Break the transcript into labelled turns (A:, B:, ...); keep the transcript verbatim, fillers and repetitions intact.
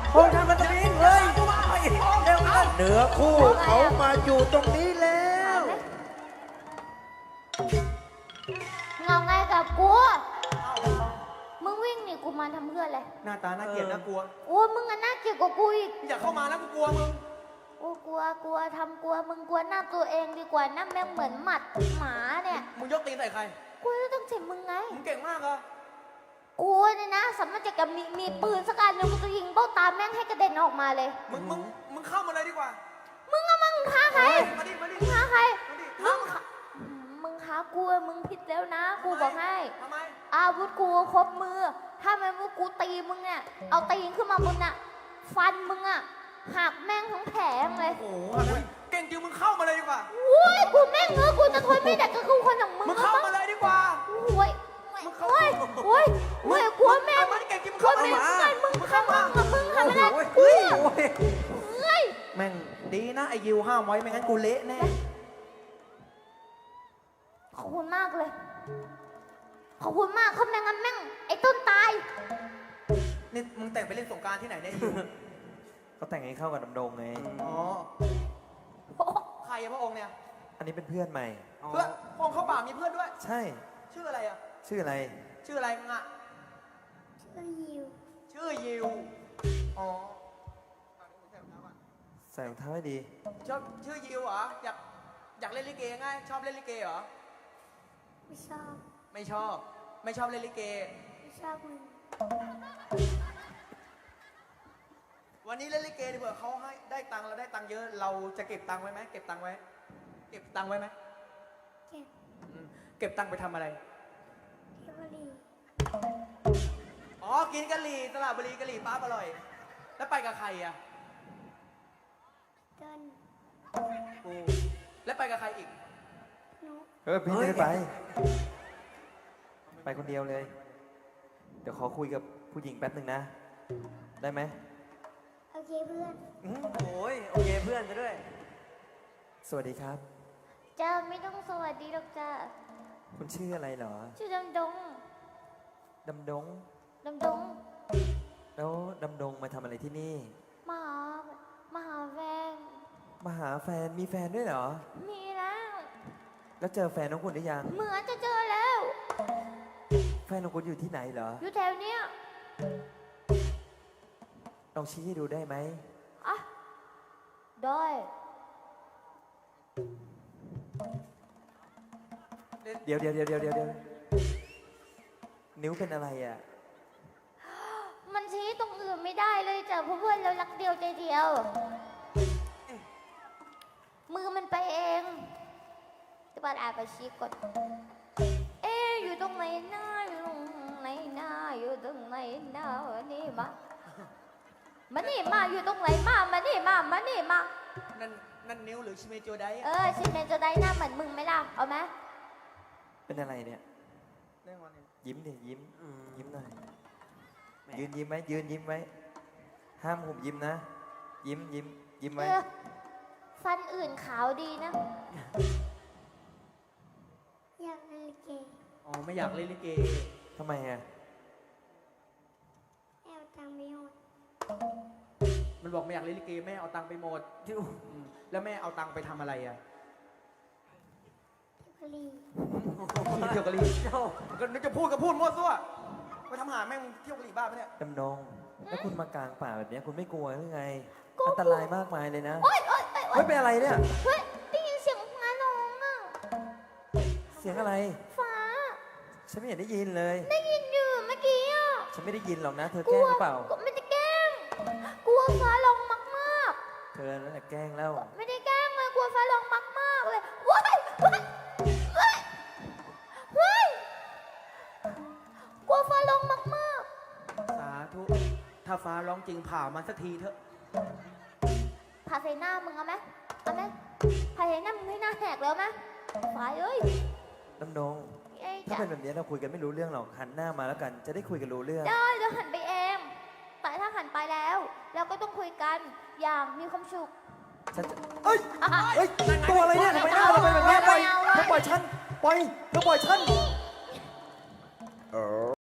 A: พงท่านมันจะวิ่งเลยเร็วกันเหนือคู่เขามาอยู่ตรงนี้แล้ว
B: เงาไงกับกูมึงวิ่งหนีกูมาทำเพื่ออะไร
C: หน้าตาน่าเกลียดน่ากลัว
B: โอ้มึงอะน่าเกลียดกว่ากูอีก
C: อย่าเข้ามานะกูกลัวมึง
B: โอ้กลัวกลัวทำกลัวมึงกลัวหน้าตัวเองดีกว่าหน้าแม่งเหมือนหมัดหมาเนี่ย
C: มึงยกตีนใส่ใคร
B: กูจะต้องเจ็บมึงไง
C: มึงเก่งมากเหรอ
B: กูเนี่ยนะสามารถจะกับมีมีปืนสักอันหนึงกูจะยิงเบ้าตาแม่งให้กระเด็นออกมาเลย
C: มึงมึงมึงเข้ามาเลยดีกว่า
B: มึงอะมึงฆ่าใคร
C: มาดิมาดิ
B: มึงฆ่าใคร
C: มาดิ
B: มึงฆ่ามึงฆ่ากูอะมึงผิดแล้วนะ กูบอกให้
C: ทำไม
B: อาวุธกูครบมือ ถ้าแม่ว่ากูตีมึงเนี่ยเอาตีนขึ้นมาบนน่ะ ฟันมึงอะหักแม่งทั้งแผงเลย
C: โอ้โหเก่งจริงมึงเข้ามาเลยดีกว่า
B: โอ้ยกูแม่งเงือกูจะทนไม่ได้ก็คือคนอย่างมึง
C: มึงเข้ามาเลยดีกว่า
B: โอ้ยโอ้ยโอ้ยโอ้ยกลัวแม่ง
C: มันเก่งจริงมึง
B: กลัว
C: เข้า
B: แม่ง
C: มา
B: ไงมึงทำมึงกับมึงทำไม่ได้
A: โอ้ย
B: กู
A: โอ้ย
B: เฮ้ย
A: แม่งดีนะไอ้ยิวห้ามไว้ไม่งั้นกูเละแน่
B: ขอบคุณมากเลย ขอบคุณมากเขาแม่งงั้นแม่งไอ้ต้นตาย
C: นี่มึงแต่งไปเล่นสงกรารที่ไหนเนี่ยอยู่
A: เขาแต่งให้เข้ากับดำดงไง
C: อ๋อ ใครอะพระองค์เนี่ย
A: อันนี้เป็นเพื่อนใหม่
C: เพื่อนพระองค์เข้าป่ามีเพื่อนด้วย
A: ใช่
C: ชื่ออะไรอะ
A: ชื่ออะไร
C: ชื่ออะไรมึงอะ
B: ชื่อยิว
C: ชื่อยิว อ๋อ
A: ใส่รองเท้าให้ดี
C: ชอบชื่อยิวเหรอ อยากอยากเล่นลิเกไงชอบเล่นลิเกเหรอ
B: ไม่ชอบ
C: ไม่ชอบ ไม่ชอบเล่นลิเก
B: ไม่ชอบมึง
C: วันนี้เล่นลิเกดีกว่าเขาให้ได้ตังค์เราได้ตังค์เยอะ เราจะเก็บตังค์ไว้ไหมเก็บตังค์ไว้ เก็บตังค์ไว้ไหม
B: เก็บ
C: อืมเก็บตังค์ไปทำอะไร
B: เที่ยวรี
C: อ๋อ กินกะหรี่ตลาดบุรีกะหรี่ปั๊บอร่อย แล้วไปกับใครอ่ะ
B: เดิน
C: กูแล้วไปกับใครอีก
B: นุก
A: เออพี่ไม่ได้ไป ไปคนเดียวเลย เดี๋ยวขอคุยกับผู้หญิงแป๊บหนึ่งนะ ได้ไหม
B: โอเคเพื่อน
A: อื้อ
C: โอ้ยโอเคเพื่อนจะด้วย
A: สวัสดีครับ
B: จ้าไม่ต้องสวัสดีหรอกจ้า
A: คุณชื่ออะไรเหรอ
B: ชื่อดำดง
A: ดำดง
B: ดำดง
A: แล้วดำดงมาทำอะไรที่นี่
B: มาหามาหาแฟน
A: มาหาแฟน มีแฟนด้วยเหรอ
B: มีแล้ว
A: แล้วเจอแฟนของคุณหรือยัง
B: เหมือนจะเจอแล้ว
A: แฟนของคุณอยู่ที่ไหนเหรอ
B: อยู่แถวเนี้ย
A: ลองชี้ให้ดูได้ไหม
B: อ่ะได้
A: เดี๋ยวเดี๋ยวเดี๋ยวเดี๋ยวเดี๋ยวเดี๋ยวนิ้วเป็นอะไรอ่ะ
B: มันชี้ตรงอื่นไม่ได้เลยจ้ะเพราะเพื่อนเรารักเดียวใจเดียว มือมันไปเองจะบัดอาไปชี้กดเอ๊ะอยู่ตรงไหนหน้าอยู่ตรงไหนหน้าอยู่ตรงไหนหน้าวันนี้มามานี่มาอยู่ตรงไหนมามานี่มามานี่มา
C: นั่นนั่นนิ้วหรือชิเมโจได
B: เออชิเมนจะได้หน้าเหมือนมึงไหมล่ะเอาไหม
A: เป็นอะไรเนี่ย
C: ได้วันนี้
A: ยิ้มดิยิ้ม ยิ้มหน่อย ยืนยิ้มไหมยืนยิ้มไว้ ห้ามหุบยิ้มนะ ยิ้มยิ้มยิ้ม
B: เอ
A: ไว้
B: อฟันอื่นขาวดีนะอยากเล่นเกม
C: อ๋อไม่อยากเล่นลิเก
A: ทำไมอ่ะ
B: แอลตังไม่หมด
C: มันบอกไม่อยากเล่นลิเกแม่เอาตังค์ไปหมดอืมแล้วแม่เอาตังค์ไปทำอะไรอ่ะ
B: เที่ยวกะลี
C: เที่ยวกะหรี่ก็นึกจะพูดก็พูดมั่วซั่วไปทำหาแม่งเที่ยวกะหรี่บ้าปะเนี่ย
A: ดำดง แล้วคุณมากลางป่าแบบเนี้ยคุณไม่กลัวหรือไง อันตรายมากมายเลยนะ
B: โอ๊ยโอ๊ยโอ๊ยโอ๊
A: เฮ้
B: ย
A: ยเป็นอะไรเนี่ย
B: เฮ้ยได้ยินเสียงฟ้าร้องอ่ะ
A: เสียงอะไร
B: ฟ้า
A: ฉันไม่เห็นได้ยินเลย
B: ได้ยินอยู่เมื่อกี้อ่ะ
A: ฉันไม่ได้ยินหรอกนะ เธอแกล้งหรือเปล่า
B: ก็ไม่ได้แกล้งกลัวฟ้าร้องมาก
A: เธอนั่นแหละแกล้งแล้ว
B: ๆไม่ได้แกล้งเลยกลัวฟ้าร้องมากๆเลยว้ายว้ายว้ายว้ายกลัวฟ้าร้องมาก
C: สาธุ ถ้าฟ้าร้องจริงผ่ามันสักทีเถอะ
B: ๆพาใส่หน้ามึงเอาไหมเอาไหมพาใส่หน้ามึงให้หน้าแหกแล้วไหมฟ้าเอ้ย
A: ดำดง
B: เอ้ย
A: ถ้า
B: จ้ะ
A: เป็นแบบนี้เราคุยกันไม่รู้เรื่องหรอก หันหน้ามาแล้วกัน จะได้คุยกันรู้เรื่อง
B: ได้เดี๋ยวหันไปเอง แต่ถ้าหันไปแล้ว เราก็ต้องคุยกันอย่างมีความสุข
A: ฉันจะเอ้ย เฮ้ย ตัวอะไรเนี่ยทำไมหน้าเราเป็นแบบนี้ปล่อยเธอปล่อยฉัน ปล่อยเธอปล่อยฉัน